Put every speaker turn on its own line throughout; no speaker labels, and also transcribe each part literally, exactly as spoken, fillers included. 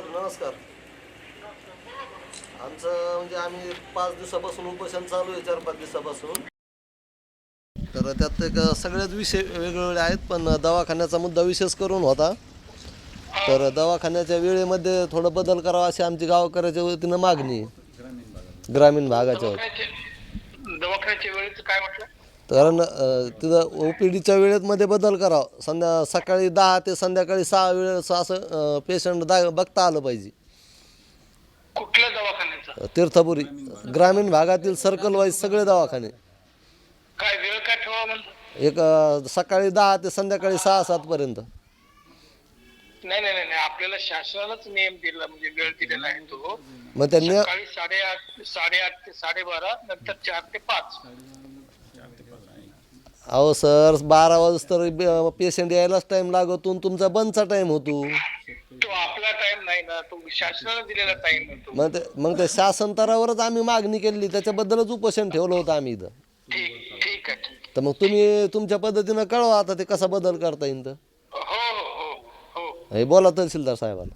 Sir नमस्कार. आमचं म्हणजे आम्ही पाच दिवसापासून उपोषण चालू आहे, चार पाच दिवसापासून. तर त्यात एक सगळेच विषय वेगवेगळे आहेत, पण दवाखान्याचा मुद्दा विशेष करून होता. तर दवाखान्याच्या वेळेमध्ये थोडं बदल करावा अशी आमची गावकऱ्याच्या वतीनं मागणी आहे, ग्रामीण भागाच्या वतीनं.
दवाखान्याचे दवाखान्याच्या वेळेचं काय म्हटलं?
कारण अ, तिथं ओ पी डीच्या वेळेमध्ये बदल करावा. संध्या सकाळी दहा ते संध्याकाळी सहा वेळेस असं पेशंट दा बघता आलं पाहिजे.
कुठल्या दवाखान्याचं?
तीर्थपुरी ग्रामीण भागातील सर्कल वाईज सगळे दवाखाने.
काय वेळ काय ठेवा म्हणतो?
एक अ, सकाळी दहा ते संध्याकाळी सहा सातपर्यंत.
नाही नाही नाही नाही, आपल्याला शासनालाच नियम दिला, म्हणजे वेळ दिलेला आहे तो.
मग त्यांनी
सकाळी साडेआठ साडेआठ ते साडेबारा, नंतर चार ते पाच.
अहो सर, बारा वाजता तर पेशंट यायलाच टाइम लागतो, तुमचा बंदचा टाइम होतो.
तो आपला टाइम नाही ना, तो शासनाला दिलेला टाइम होतो.
मग ते मग ते शासन स्तरावरच आम्ही मागणी केली, त्याच्याबद्दलच उपोषण ठेवलं होतं आम्ही इथं.
ठीक ठीक आहे ठीक.
तर मग तुम्ही तुमच्या पद्धतीनं कळवा आता ते कसा बदल करता येईल. तर
हो हो हो हो.
हे बोला तहसीलदार साहेबाला.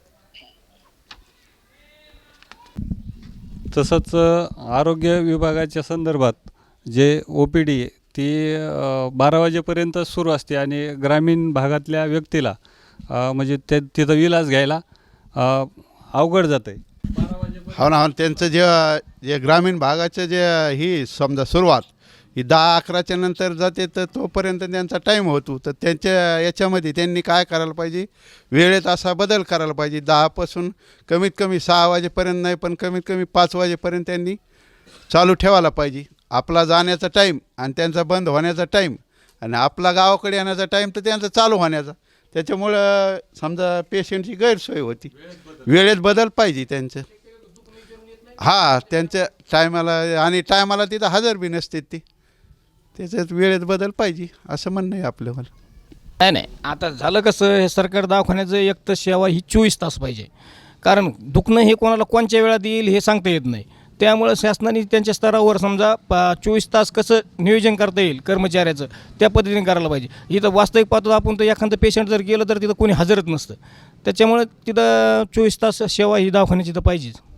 तसंच आरोग्य विभागाच्या संदर्भात जे ओ पी डी ती बारा वाजेपर्यंत सुरू असते आणि ग्रामीण भागातल्या व्यक्तीला म्हणजे ते तिथं इलाज घ्यायला अवघड जातं आहे.
हो ना, हो, त्यांचं जे जे ग्रामीण भागाचं जे ही समजा सुरुवात ही दहा अकराच्या नंतर जाते, तर तोपर्यंत त्यांचा टाईम होतो. तर त्यांच्या याच्यामध्ये त्यांनी काय करायला पाहिजे, वेळेत असा बदल करायला पाहिजे. दहापासून कमीत कमी सहा वाजेपर्यंत नाही, पण कमीत कमी पाच वाजेपर्यंत त्यांनी चालू ठेवायला पाहिजे. आपला जाण्याचा टाईम आणि त्यांचा बंद होण्याचा टाईम आणि आपला गावाकडे येण्याचा टाईम तर त्यांचा चालू होण्याचा. त्याच्यामुळं समजा पेशंटची गैरसोय होती. वेळेत बदल पाहिजे त्यांचं. हां, त्यांच्या टायमाला आणि टायमाला तिथं हजर बी नसते ती, त्याच्यात वेळेत बदल पाहिजे असं म्हणणं आहे आपलं. मला
नाही नाही, आता झालं कसं, हे सरकार दवाखान्याचं एक तर सेवा ही चोवीस तास पाहिजे. कारण दुखणं हे कोणाला कोणत्या वेळात येईल हे सांगता येत नाही. त्यामुळं शासनाने त्यांच्या स्तरावर समजा पा चोवीस तास कसं नियोजन करता येईल कर्मचाऱ्याचं, त्या पद्धतीने करायला पाहिजे. इथं वास्तविक पाहतो आपण, तर एखादं पेशंट जर गेलं तर तिथं कोणी हजरच नसतं. त्याच्यामुळे तिथं चोवीस तास सेवा ही दवाखान्याची तर पाहिजेच.